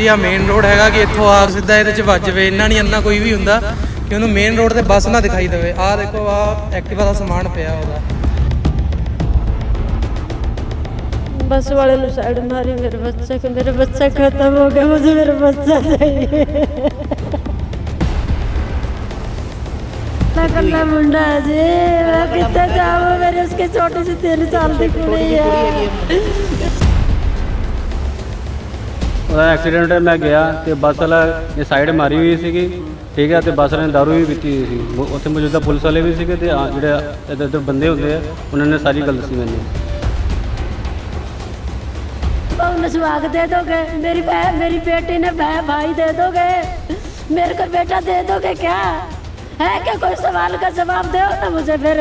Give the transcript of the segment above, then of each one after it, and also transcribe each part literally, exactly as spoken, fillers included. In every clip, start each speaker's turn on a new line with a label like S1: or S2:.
S1: ਵੀ ਆ main road ਹੈਗਾ ਕਿ ਇੱਥੋਂ ਆ ਸਿੱਧਾ ਇਹਦੇ 'ਚ ਵੱਜ ਜਾਵੇ। ਇੰਨਾ ਨਹੀਂ ਇੰਨਾ ਕੋਈ ਵੀ ਹੁੰਦਾ ਕਿ ਉਹਨੂੰ ਮੇਨ ਰੋਡ ਤੇ ਬੱਸ ਨਾ ਦਿਖਾਈ ਦੇਵੇ। ਆਹ ਦੇਖੋ ਆਹ ਐਕਟਿਵਾ ਦਾ ਸਮਾਨ ਪਿਆ ਉਹਦਾ।
S2: बस वाले ने साइड मारी मेरे बच्चे को। मेरा बच्चा खत्म हो गया, मुझे मेरा बच्चा चाहिए। कल्ला मुंडा है जी, मैं कितने जाऊँ, मेरे उसके छोटे से तीन साल की कुड़ी है।
S3: ਉਹਦਾ ਐਕਸੀਡੈਂਟ ਹੈ। ਮੈਂ ਗਿਆ ਤੇ ਬੱਸ ਵਾਲਾ ਨੇ ਸਾਈਡ ਮਾਰੀ ਹੋਈ ਸੀਗੀ, ਠੀਕ ਹੈ, ਤੇ ਬੱਸ ਵਾਲੇ ਨੇ ਦਾਰੂ ਵੀ ਪੀਤੀ ਹੋਈ ਸੀ। ਉੱਥੇ ਮੌਜੂਦਾ ਪੁਲਿਸ ਵਾਲੇ ਵੀ ਸੀਗੇ ਤੇ ਆ ਜਿਹੜੇ ਇੱਧਰ ਇੱਧਰ ਬੰਦੇ ਹੁੰਦੇ ਆ ਉਹਨਾਂ ਨੇ ਸਾਰੀ ਗੱਲ ਦੱਸੀ ਮੈਨੂੰ।
S2: उन्हें सुहाग दे दोगे, मेरी बहन मेरी बेटी ने भाई दे दोगे, मेरे को बेटा दे दोगे क्या? है क्या कोई सवाल का जवाब दो ना मुझे फिर।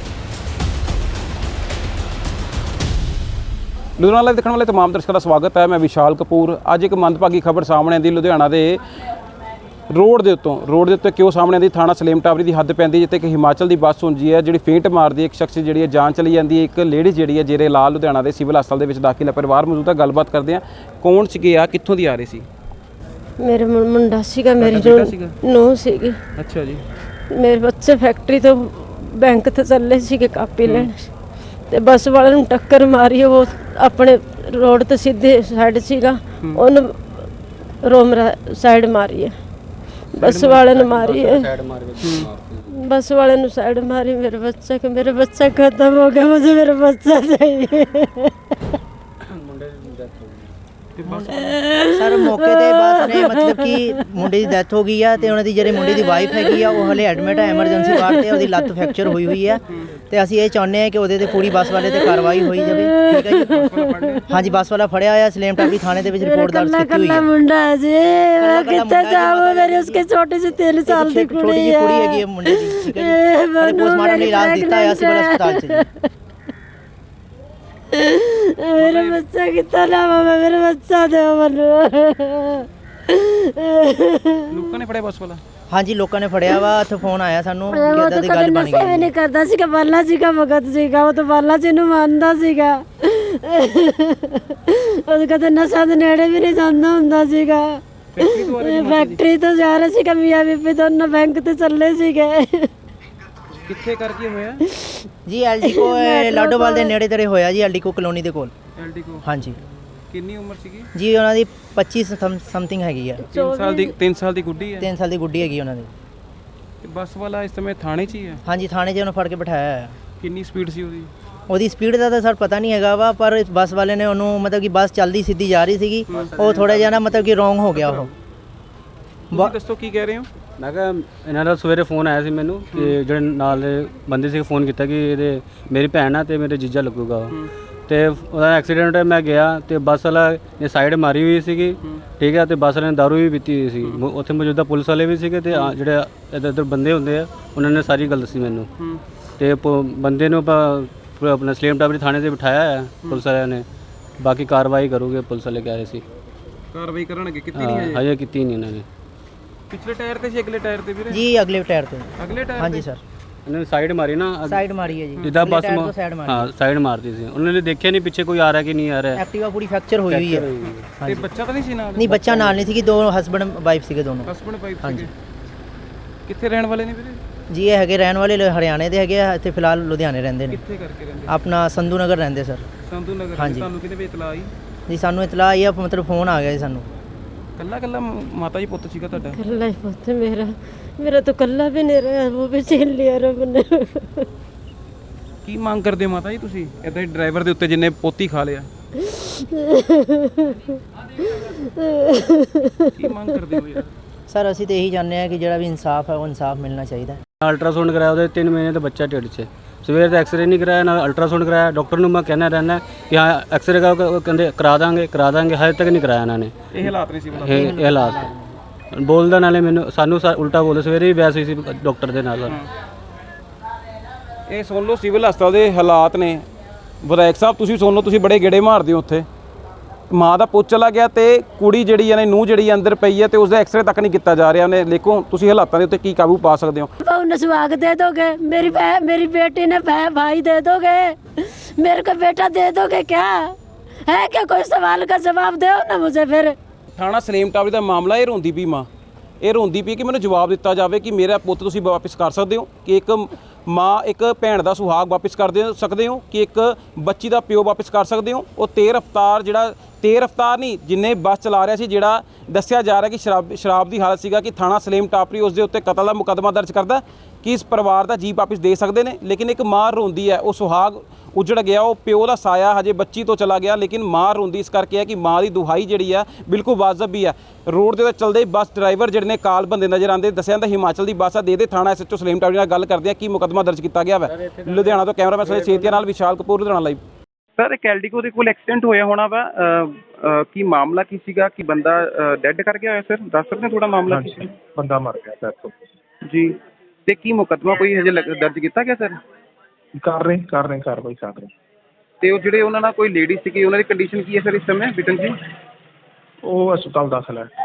S4: ਲੁਧਿਆਣਾ ਲਾਈਵ ਦੇਖਣ ਵਾਲੇ तमाम ਦਰਸ਼ਕਾਂ ਦਾ ਸਵਾਗਤ ਹੈ। ਮੈਂ ਵਿਸ਼ਾਲ ਕਪੂਰ। ਅੱਜ ਇੱਕ ਮੰਦਭਾਗੀ ਖਬਰ ਸਾਹਮਣੇ ਆਉਂਦੀ ਲੁਧਿਆਣਾ ਦੇ ਰੋਡ ਦੇ ਉੱਤੋਂ ਰੋਡ ਦੇ ਉੱਤੇ ਕਿਉਂ ਸਾਹਮਣੇ ਆਉਂਦੀ? ਥਾਣਾ ਸਲੇਮ ਟਾਵਰੀ ਦੀ ਹੱਦ ਪੈਂਦੀ ਜਿੱਥੇ ਕਿ ਹਿਮਾਚਲ ਦੀ ਬੱਸ ਹੁੰਦੀ ਹੈ ਜਿਹੜੀ ਫੇਂਟ ਮਾਰਦੀ ਹੈ। ਇੱਕ ਸ਼ਖਸ ਜਿਹੜੀ ਹੈ ਜਾਨ ਚਲੀ ਜਾਂਦੀ ਹੈ। ਇੱਕ ਲੇਡੀ ਜਿਹੜੀ ਹੈ ਜੇਰੇ ਲਾਲ ਲੁਧਿਆਣਾ ਦੇ ਸਿਵਲ ਹਸਪਤਾਲ ਦੇ ਵਿੱਚ ਦਾਖਲ ਹੈ। ਪਰਿਵਾਰ ਮੌਜੂਦ ਹੈ, ਗੱਲਬਾਤ ਕਰਦੇ ਹਾਂ। ਕੌਣ ਸੀਗੇ ਆ, ਕਿੱਥੋਂ ਦੀ ਆ ਰਹੇ ਸੀ?
S2: ਮੇਰੇ ਮੁੰਡਾ ਸੀਗਾ, ਮੇਰੀ ਨੂੰਹ ਸੀਗੀ।
S4: ਅੱਛਾ ਜੀ।
S2: ਮੇਰੇ ਬੱਚੇ ਫੈਕਟਰੀ ਤੋਂ ਬੈਂਕ ਤੇ ਚੱਲੇ ਸੀਗੇ ਕਾਪੀ ਲੈਣ ਤੇ ਬੱਸ ਵਾਲੇ ਨੂੰ ਟੱਕਰ ਮਾਰੀ। ਉਹ ਆਪਣੇ ਰੋਡ ਤੇ ਸਿੱਧੇ ਸਾਈਡ ਸੀਗਾ, ਉਹਨੂੰ ਰੋਮਰਾ ਸਾਈਡ ਮਾਰੀ ਹੈ। ਬੱਸ ਵਾਲੇ ਨੇ ਮਾਰੀ है, बस वाले ने साइड मारी मेरे बच्चे को। मेरा बच्चा खत्म हो गया, मुझे मेरा बच्चा चाहिए।
S5: ਸਰ ਮੌਕੇ ਤੇ ਬਸ ਨੇ ਮਤਲਬ ਕਿ ਮੁੰਡੇ ਦੀ ਡੈਥ ਹੋ ਗਈ ਆ ਤੇ ਉਹਨਾਂ ਦੀ ਜਿਹੜੇ ਮੁੰਡੇ ਦੀ ਵਾਈਫ ਹੈਗੀ ਆ ਉਹ ਹਲੇ ਐਡਮਿਟ ਹੈ ਐਮਰਜੈਂਸੀ ਵਾਰਡ ਤੇ। ਉਹਦੀ ਲੱਤ ਫ੍ਰੈਕਚਰ ਹੋਈ ਹੋਈ ਆ ਤੇ ਅਸੀਂ ਇਹ ਚਾਹੁੰਦੇ ਹਾਂ ਕਿ ਉਹਦੇ ਤੇ ਪੂਰੀ ਬੱਸ ਵਾਲੇ ਤੇ ਕਾਰਵਾਈ ਹੋਈ ਜਾਵੇ। ਠੀਕ ਹੈ ਜੀ। ਹਾਂਜੀ, ਬੱਸ ਵਾਲਾ ਫੜਿਆ ਹੋਇਆ ਸਲੇਮ ਟਾਵਰੀ ਥਾਣੇ ਦੇ ਵਿੱਚ ਰਿਪੋਰਟ ਦਰਜ ਕੀਤੀ ਹੋਈ ਹੈ।
S2: ਮੁੰਡਾ ਹੈ ਜੀ, ਮੈਂ ਕਿੱਥੇ ਜਾਵਾਂ, ਮੇਰੇ ਉਸਕੇ ਛੋਟੇ ਜਿਹੇ ਤਿੰਨ ਸਾਲ ਦੀ ਕੁੜੀ
S5: ਛੋਟੀ ਜਿਹੀ ਕੁੜੀ ਹੈਗੀ ਹੈ ਮੁੰਡੇ ਦੀ। ਠੀਕ ਹੈ ਜੀ। ਪੋਸਟਮਾਰਟਮ ਲਈ ਇਲਾਜ ਦਿੱਤਾ ਹੈ ਸਿਵਲ ਹਸਪਤਾਲ 'ਚ।
S2: मेरा बच्चा कितना नाम है, मेरा बच्चा दो मनु।
S4: ਲੋਕਾਂ ਨੇ ਫੜਿਆ ਬੱਸ ਵਾਲਾ?
S5: ਹਾਂਜੀ, ਲੋਕਾਂ ਨੇ ਫੜਿਆ ਵਾ। ਇੱਥੇ ਫੋਨ ਆਇਆ ਸਾਨੂੰ ਕਿ
S2: ਉਹ
S5: ਇਦਾਂ
S2: ਤਾਂ
S5: ਦੀ
S2: ਕਦੇ
S5: ਗੱਲ ਬਣ
S2: ਨਸ਼ਾ ਵੀ
S5: ਗਈ।
S2: ਨਹੀਂ ਕਰਦਾ ਸੀਗਾ, ਬਾਲਾ ਸੀਗਾ, ਭਗਤ ਸੀਗਾ। ਉਹ ਤਾਂ ਬਾਲਾ ਜੀ ਨੂੰ ਮੰਨਦਾ ਸੀਗਾ। ਉਹ ਕਦੇ ਨਸ਼ਾ ਦੇ ਨੇੜੇ ਵੀ ਨਹੀਂ ਜਾਂਦਾ ਹੁੰਦਾ ਸੀਗਾ। ਫੈਕਟਰੀ ਤੋਂ ਜਾ ਰਿਹਾ ਸੀਗਾ, ਮੀਆਂ ਬੀਬੀ ਦੋਨੋਂ ਬੈਂਕ ਤੇ ਚੱਲੇ ਸੀਗੇ।
S4: ਕਿੱਥੇ ਕਰਕੇ ਹੋਇਆ
S5: ਜੀ? ਐਲਡੀ ਕੋ ਲਾਡੋਵਾਲ ਦੇ ਨੇੜੇ ਤੇੜੇ ਹੋਇਆ ਜੀ, ਐਲਡੀ ਕੋ ਕਲੋਨੀ ਦੇ ਕੋਲ।
S4: ਐਲਡੀ ਕੋ?
S5: ਹਾਂਜੀ।
S4: ਕਿੰਨੀ ਉਮਰ ਸੀਗੀ
S5: ਜੀ ਉਹਨਾਂ ਦੀ ਪੱਚੀ ਸਮਥਿੰਗ ਹੈਗੀ ਆ।
S4: ਤਿੰਨ ਸਾਲ ਦੀ ਤਿੰਨ ਸਾਲ ਦੀ ਗੁੱਡੀ ਹੈ।
S5: ਤਿੰਨ ਸਾਲ ਦੀ ਗੁੱਡੀ ਹੈਗੀ ਉਹਨਾਂ ਦੀ।
S4: ਤੇ ਬੱਸ ਵਾਲਾ ਇਸ ਸਮੇਂ ਥਾਣੇ 'ਚ ਹੀ ਹੈ?
S5: ਹਾਂਜੀ, ਥਾਣੇ 'ਚ ਉਹਨੂੰ ਫੜ ਕੇ ਬਿਠਾਇਆ ਹੈ।
S4: ਕਿੰਨੀ ਸਪੀਡ ਸੀ ਉਹਦੀ?
S5: ਉਹਦੀ ਸਪੀਡ ਦਾ ਤਾਂ ਸਰ ਪਤਾ ਨਹੀਂ ਹੈਗਾ ਵਾ, ਪਰ ਬੱਸ ਵਾਲੇ ਨੇ ਉਹਨੂੰ ਮਤਲਬ ਕਿ ਬੱਸ ਚੱਲਦੀ ਸਿੱਧੀ ਜਾ ਰਹੀ ਸੀਗੀ, ਉਹ ਥੋੜਾ ਜਿਹਾ ਨਾ ਮਤਲਬ ਕਿ ਰੋਂਗ ਹੋ ਗਿਆ ਉਹ।
S4: ਤੁਸੀਂ ਦੱਸੋ ਕੀ ਕਹਿ ਰਹੇ ਹੋ?
S3: ਮੈਂ ਕਿਹਾ ਇਹਨਾਂ ਦਾ ਸਵੇਰੇ ਫੋਨ ਆਇਆ ਸੀ ਮੈਨੂੰ ਕਿ ਜਿਹੜੇ ਨਾਲ ਬੰਦੇ ਸੀ ਫੋਨ ਕੀਤਾ ਕਿ ਇਹਦੇ ਮੇਰੀ ਭੈਣ ਆ ਤੇ ਮੇਰੇ ਜੀਜਾ ਲੱਗੂਗਾ ਤੇ ਉਹਦਾ ਐਕਸੀਡੈਂਟ ਹੈ। ਮੈਂ ਗਿਆ ਤੇ ਬੱਸ ਵਾਲਾ ਨੇ ਸਾਈਡ ਮਾਰੀ ਹੋਈ ਸੀਗੀ, ਠੀਕ ਹੈ, ਤੇ ਬੱਸ ਵਾਲੇ ਨੇ ਦਾਰੂ ਵੀ ਪੀਤੀ ਹੋਈ ਸੀ। ਉੱਥੇ ਮੌਜੂਦਾ ਪੁਲਿਸ ਵਾਲੇ ਵੀ ਸੀਗੇ ਤੇ ਜਿਹੜੇ ਇੱਧਰ ਇੱਧਰ ਬੰਦੇ ਹੁੰਦੇ ਆ ਉਹਨਾਂ ਨੇ ਸਾਰੀ ਗੱਲ ਦੱਸੀ ਮੈਨੂੰ। ਤੇ ਬੰਦੇ ਨੂੰ ਆਪਾਂ ਆਪਣਾ ਸਲੇਮ ਟਾਵਰੀ ਥਾਣੇ 'ਤੇ ਬਿਠਾਇਆ ਹੈ ਪੁਲਿਸ ਵਾਲਿਆਂ ਨੇ। ਬਾਕੀ ਕਾਰਵਾਈ ਕਰੂਗੇ ਪੁਲਿਸ ਵਾਲੇ ਕਹਿ ਰਹੇ ਸੀ।
S4: ਕਾਰਵਾਈ ਕਰਨਗੇ? ਕੀਤੀ ਨਹੀਂ ਹਜੇ?
S3: ਹਜੇ ਕੀਤੀ ਨਹੀਂ ਇਹਨਾਂ ਨੇ।
S4: ਪਿਛਲੇ ਟਾਇਰ ਤੇ ਸੀ ਅਗਲੇ ਟਾਇਰ ਤੇ ਵੀਰੇ?
S5: ਜੀ ਅਗਲੇ ਟਾਇਰ ਤੇ।
S4: ਅਗਲੇ ਟਾਇਰ?
S5: ਹਾਂਜੀ ਸਰ।
S3: ਇਹਨਾਂ ਨੇ ਸਾਈਡ ਮਾਰੀ ਨਾ,
S5: ਸਾਈਡ ਮਾਰੀ ਹੈ ਜੀ,
S3: ਜਿੱਦਾਂ ਬੱਸ
S5: ਹਾਂ
S3: ਸਾਈਡ ਮਾਰਦੀ ਸੀ। ਉਹਨਾਂ ਨੇ ਦੇਖਿਆ ਨਹੀਂ ਪਿੱਛੇ ਕੋਈ ਆ ਰਿਹਾ ਕਿ ਨਹੀਂ ਆ ਰਿਹਾ।
S5: ਐਕਟਿਵਾ ਪੂਰੀ ਫ੍ਰੈਕਚਰ ਹੋਈ ਹੋਈ ਹੈ।
S4: ਤੇ ਬੱਚਾ ਤਾਂ ਨਹੀਂ ਸੀ ਨਾਲ?
S5: ਨਹੀਂ, ਬੱਚਾ ਨਾਲ ਨਹੀਂ ਸੀਗੀ, ਦੋ ਹਸਬੰਡ ਵਾਈਫ ਸੀਗੇ ਦੋਨੋਂ।
S4: ਹਸਬੰਡ ਵਾਈਫ ਸੀਗੇ।
S5: ਹਾਂਜੀ।
S4: ਕਿੱਥੇ ਰਹਿਣ ਵਾਲੇ ਨੇ ਵੀਰੇ?
S5: ਜੀ ਇਹ ਹੈਗੇ ਰਹਿਣ ਵਾਲੇ ਹਰਿਆਣੇ ਦੇ ਹੈਗੇ ਆ, ਇੱਥੇ ਫਿਲਹਾਲ ਲੁਧਿਆਣੇ ਰਹਿੰਦੇ ਨੇ।
S4: ਕਿੱਥੇ ਕਰਕੇ ਰਹਿੰਦੇ?
S5: ਆਪਣਾ ਸੰਧੂ ਨਗਰ ਰਹਿੰਦੇ ਸਰ।
S4: ਸੰਧੂ ਨਗਰ।
S5: ਹਾਂਜੀ।
S4: ਤੁਹਾਨੂੰ ਕਿਹਦੇ ਵੇ ਇਤਲਾਹ ਆਈ?
S5: ਜੀ ਸਾਨੂੰ ਇਤਲਾਹ ਆਈ ਆ, ਮਤਲਬ ਫੋਨ ਆ ਗਿਆ ਜੀ ਸਾਨੂੰ।
S4: ਕੱਲਾ ਕੱਲਾ ਮਾਤਾ ਜੀ ਪੁੱਤ ਸੀਗਾ ਤੁਹਾਡਾ?
S2: कल्ला ही पुत्र मेरा मेरा तो कल्ला भी नहीं रहा, वो भी छीन लिया रब ने।
S4: ਕੀ ਮੰਗ ਕਰਦੇ ਹੋ ਮਾਤਾ ਜੀ ਤੁਸੀਂ ਇਦਾਂ ਹੀ ਡਰਾਈਵਰ ਦੇ ਉੱਤੇ ਜਿੰਨੇ ਪੋਤੀ ਖਾ ਲਿਆ? ਕੀ ਮੰਗ ਕਰਦੇ ਹੋ ਯਾਰ?
S5: ਸਰ ਅਸੀਂ ਤਾਂ ਇਹੀ ਚਾਹੁੰਦੇ ਹਾਂ ਕਿ ਜਿਹੜਾ ਵੀ ਇਨਸਾਫ ਹੈ ਉਹ ਇਨਸਾਫ ਮਿਲਣਾ ਚਾਹੀਦਾ।
S3: ਅਲਟਰਾਸਾਊਂਡ ਕਰਾਇਆ ਉਹਦੇ ਤਿੰਨ ਮਹੀਨੇ ਦਾ ਬੱਚਾ ਢਿੱਡ 'ਚ। ਸਵੇਰ ਦਾ ਐਕਸਰੇ ਨਹੀਂ ਕਰਾਇਆ ਨਾ ਅਲਟਰਾਸਾਊਂਡ ਕਰਾਇਆ। ਡਾਕਟਰ ਨੂੰ ਮੈਂ ਕਹਿਣਾ ਰਹਿੰਦਾ ਕਿ ਹਾਂ ਐਕਸਰੇ ਕਰਾ, ਕਹਿੰਦੇ ਕਰਾ ਦਾਂਗੇ ਕਰਾ ਦਾਂਗੇ, ਹਜੇ ਤੱਕ ਨਹੀਂ ਕਰਾਇਆ ਇਹਨਾਂ ਨੇ।
S4: ਇਹ ਹਾਲਾਤ ਨਹੀਂ ਸੀ ਬਲਾ?
S3: ਇਹ ਇਹ ਹਾਲਾਤ ਬੋਲਦਾ ਨਾਲੇ ਮੈਨੂੰ ਸਾਨੂੰ ਉਲਟਾ ਬੋਲਦਾ। ਸਵੇਰੇ ਵੀ ਬਹਿਸ ਹੋਈ ਸੀ ਡਾਕਟਰ ਦੇ ਨਾਲ।
S4: ਇਹ ਸੁਣ ਲਓ ਸਿਵਲ ਹਸਪਤਾਲ ਦੇ ਹਾਲਾਤ ਨੇ। ਵਿਧਾਇਕ ਸਾਹਿਬ ਤੁਸੀਂ ਸੁਣ ਲਓ, ਤੁਸੀਂ ਬੜੇ ਗੇੜੇ ਮਾਰਦੇ ਹੋ ਉੱਥੇ। ਮਾਂ ਦਾ ਪੁੱਤ ਚਲਾ ਗਿਆ ਤੇ ਕੁੜੀ ਜਿਹੜੀ ਹੈ ਨੂੰਹ ਜਿਹੜੀ ਅੰਦਰ ਪਈ ਹੈ ਤੇ ਉਸਦਾ ਐਕਸਰੇ ਤੱਕ ਨਹੀਂ ਕੀਤਾ ਜਾ ਰਿਹਾ। ਉਹਨੇ ਦੇਖੋ ਤੁਸੀਂ ਹਾਲਾਤਾਂ ਦੇ ਉੱਤੇ ਕੀ ਕਾਬੂ ਪਾ ਸਕਦੇ ਹੋ?
S2: उन्हें सुहाग दे दोगे, मेरी बहन मेरी बेटी ने भाई दे दोगे, मेरे को बेटा दे दोगे क्या? है क्या कोई सवाल का जवाब दो ना मुझे फिर।
S4: ਥਾਣਾ ਸਲੇਮ ਟਾਵਰੀ ਦਾ ਮਾਮਲਾ, ਇਹ ਰੋਂਦੀ ਪਈ ਮਾਂ, ਇਹ ਰੋਂਦੀ ਪਈ ਕਿ ਮੈਨੂੰ ਜਵਾਬ ਦਿੱਤਾ ਜਾਵੇ ਕਿ ਮੇਰਾ ਪੁੱਤ ਤੁਸੀਂ ਵਾਪਸ ਕਰ ਸਕਦੇ ਹੋ, ਕਿ ਇੱਕ ਮਾਂ ਇੱਕ ਭੈਣ ਦਾ ਸੁਹਾਗ ਵਾਪਸ ਕਰ ਦੇ ਸਕਦੇ ਹੋ, ਕਿ ਇੱਕ ਬੱਚੀ ਦਾ ਪਿਓ ਵਾਪਸ ਕਰ ਸਕਦੇ ਹੋ। ਉਹ ਤੇਜ਼ ਰਫ਼ਤਾਰ ਜਿਹੜਾ ਤੇਜ਼ ਰਫ਼ਤਾਰ ਨਹੀਂ, ਜਿੰਨੇ ਬੱਸ ਚਲਾ ਰਿਹਾ ਸੀ, ਜਿਹੜਾ ਦੱਸਿਆ ਜਾ ਰਿਹਾ ਕਿ ਸ਼ਰਾਬ ਸ਼ਰਾਬ ਦੀ ਹਾਲਤ ਸੀਗਾ, ਕਿ ਥਾਣਾ ਸਲੇਮ ਟਾਪਰੀ ਉਸ ਦੇ ਉੱਤੇ ਕਤਲ ਦਾ ਮੁਕੱਦਮਾ ਦਰਜ ਕਰਦਾ ਕਿ ਇਸ ਪਰਿਵਾਰ ਦਾ ਜੀ ਵਾਪਸ ਦੇ ਸਕਦੇ ਨੇ। ਲੇਕਿਨ ਇੱਕ ਮਾਂ ਰੋਂਦੀ ਹੈ, ਉਹ ਸੁਹਾਗ ਉਜੜ ਗਿਆ, ਉਹ ਪਿਓ ਦਾ ਸਾਇਆ ਹਜੇ ਬੱਚੀ ਤੋਂ ਚਲਾ ਗਿਆ, ਲੇਕਿਨ ਮਾਂ ਰੋਂਦੀ ਇਸ ਕਰਕੇ ਹੈ ਕਿ ਮਾਂ ਦੀ ਦੁਹਾਈ ਜਿਹੜੀ ਆ ਬਿਲਕੁਲ ਵਾਜਬ ਵੀ ਹੈ। ਰੋਡ ਦੇ ਉੱਤੇ ਚੱਲਦੇ ਬੱਸ ਡਰਾਈਵਰ ਜਿਹੜੇ ਨੇ ਕਾਲ ਬੰਦੇ ਨਜ਼ਰ ਆਉਂਦੇ, ਦੱਸਿਆ ਜਾਂਦਾ ਹਿਮਾਚਲ ਦੀ ਬੱਸ ਆ। ਦੇ ਦੇ ਥਾਣਾ ਐਸਐਚਓ ਸਲੇਮ ਟਾਵਰੀ ਨਾਲ ਗੱਲ ਕਰਦੇ ਆ ਕੀ ਮੁਕੱਦਮਾ ਦਰਜ ਕੀਤਾ ਗਿਆ ਵਾ। ਲੁਧਿਆਣਾ ਤੋਂ ਕੈਮਰਾਮੈਨ ਸੋਹੇ ਸੇਤੀਆ ਨਾਲ ਵਿਸ਼ਾਲ ਕਪੂਰ, ਲੁਧਿਆਣਾ ਲਾਈਵ।
S6: ਸਰ ਇੱਕ ਐਲਡੀਕੋ ਦੇ ਕੋਲ ਐਕਸੀਡੈਂਟ ਹੋਇਆ ਹੋਣਾ ਵਾ, ਕੀ ਮਾਮਲਾ ਕੀ ਸੀਗਾ, ਕਿ ਬੰਦਾ ਡੈਡ ਕਰ ਗਿਆ ਹੋਇਆ ਸਰ, ਦੱਸ ਸਕਦੇ ਹੋ ਥੋੜਾ ਮਾਮਲਾ ਕੀ ਸੀ?
S7: ਬੰਦਾ ਮਰ ਗਿਆ ਸਰ।
S6: ਜੀ, ਤੇ ਕੀ ਮੁਕੱਦਮਾ ਕੋਈ ਹਜੇ ਲੱਗ- ਦਰਜ ਕੀਤਾ ਗਿਆ ਸਰ?
S7: ਕਰ ਰਹੇ ਕਰ ਰਹੇ ਕਾਰਵਾਈ ਕਰ ਰਹੇ।
S6: ਤੇ ਉਹ ਜਿਹੜੇ ਉਹਨਾਂ ਨਾਲ ਕੋਈ ਲੇਡੀ ਸੀਗੀ, ਉਹਨਾਂ ਦੀ ਕੰਡੀਸ਼ਨ ਕੀ ਹੈ ਸਰ ਇਸ ਸਮੇਂ ਬਿਟਨ ਜੀ?
S7: ਉਹ ਹਸਪਤਾਲ ਦਾਖਲ ਹੈ।